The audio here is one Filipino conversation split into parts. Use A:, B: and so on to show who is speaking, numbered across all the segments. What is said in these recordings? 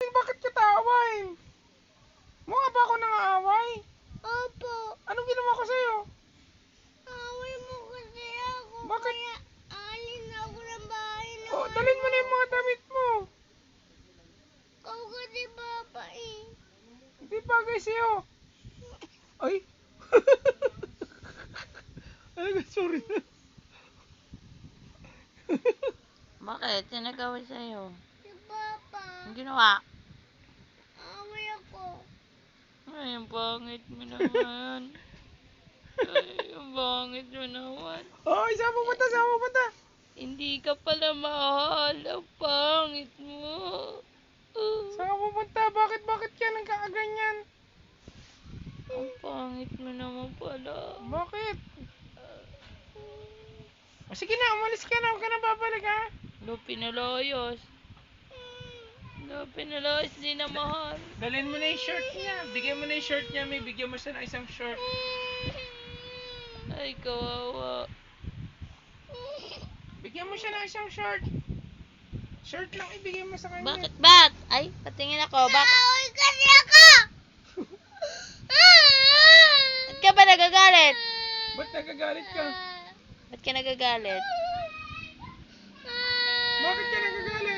A: bakit kita aawain? Mukha ba ako nang-aaway?
B: Opo.
A: Anong ginawa ko sa'yo?
B: Away mo kasi ako.
A: Bakit?
B: Kaya alin ako ng bahay na
A: Oh, dalhin mo na yung mga damit mo.
B: Ikaw kasi papa eh.
A: Hindi bagay sa'yo. Ay. Ay, sorry na.
C: Bakit? Sinagawa sa'yo?
B: Si papa.
C: Ang ginawa?
B: Away ako.
C: Ay, ang pangit mo naman. Ay, ang pangit mo naman.
A: Oh, saan pupunta? Saan pupunta?
C: Hindi ka pala mahal. Ang pangit mo.
A: Saan ka pupunta? Bakit ka nagkakaganyan?
C: Ang pangit mo naman pala.
A: Bakit? O sige na, umalis ka na. Huwag ka na babalik ha.
C: No, pinalayas. No, pinalayas din na mahal.
A: Dalhin mo na yung shirt niya. Bigyan mo na yung shirt niya. May bigyan mo siya ng isang shirt.
C: Ay, kawawa.
A: Bigyan mo siya ng isang shirt. Shirt lang ibigay mo sa kanya.
C: Bakit? Ba't? Ay, patingin ako. Bakit?
B: Away kasi ako.
C: Ba't ka ba nagagalit?
A: Ba't nagagalit ka?
C: Ba't ka nagagalit?
A: Bakit ka nagagalit?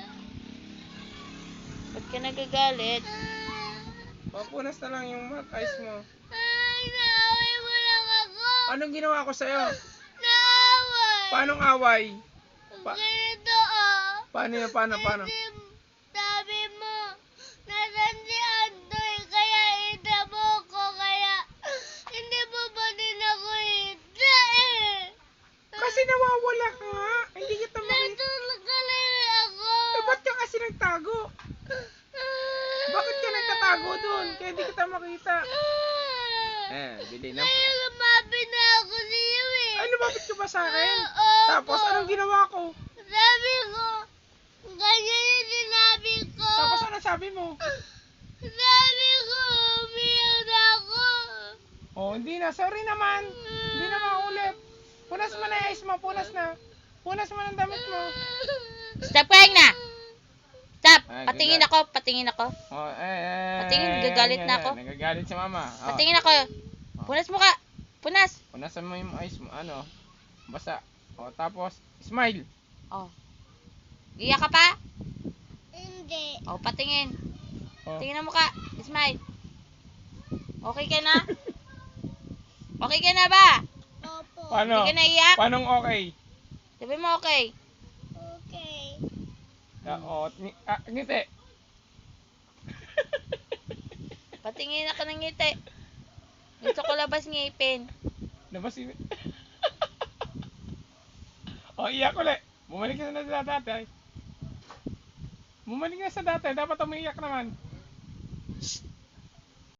C: Ba't ka nagagalit?
A: Papunas na lang yung mouth eyes mo.
B: Ay, naaway mo lang ako.
A: Anong ginawa ko sa'yo?
B: Naaway.
A: Paanong away?
B: Ganito ah.
A: Paano yan? Paano?
B: Kasi sabi mo, nasan si Andoy, kaya ita mo ko, kaya hindi mo ba din ako ita eh.
A: Kasi nawawala ka nga. Hindi kita makita.
B: Natulog ka lang ako.
A: Eh, ba't ka kasi nagtago? Bakit ka nagtatago dun? Kaya hindi kita makita. Bili na.
B: Kaya lumabi na ako sa iyo eh.
A: Ay, lumapit ka ba sa akin?
B: Oo.
A: Tapos, anong ginawa ko?
B: Sabi ko, ganyan yung sinabi ko.
A: Tapos, ano sabi mo?
B: Sabi ko, umiyak na ako.
A: Oh, hindi na. Sorry naman. Hindi na maulit. Punas mo na yung eyes mo. Punas na. Punas mo ng damit mo.
C: Stop crying na! Stop!
A: Ay,
C: Patingin
A: gagal.
C: ako, patingin ako.
A: Oh,
C: Patingin, gagalit na ako.
A: Nagagalit si mama. Oh.
C: Patingin ako. Punas mo ka! Punas!
A: Punasan mo yung eyes mo. Ano? Basa. Oh, tapos, smile.
C: Oh. Iyak ka pa?
B: Hindi.
C: Oh, patingin.
A: Oh.
C: Tingnan mo ka. Smile. Okay ka na? Okay ka na ba?
B: Opo.
A: Paano?
C: Hindi ka naiyak?
A: Paanong okay?
C: Sabi mo okay.
B: Okay.
A: Ngiti.
C: Patingin ako ng ngiti. Gusto ko labas ngipin.
A: Nabasin. Oh, iyak ulit. Bumalik ka na sa dati. Bumalik na sa dati. Dapat umiiyak naman.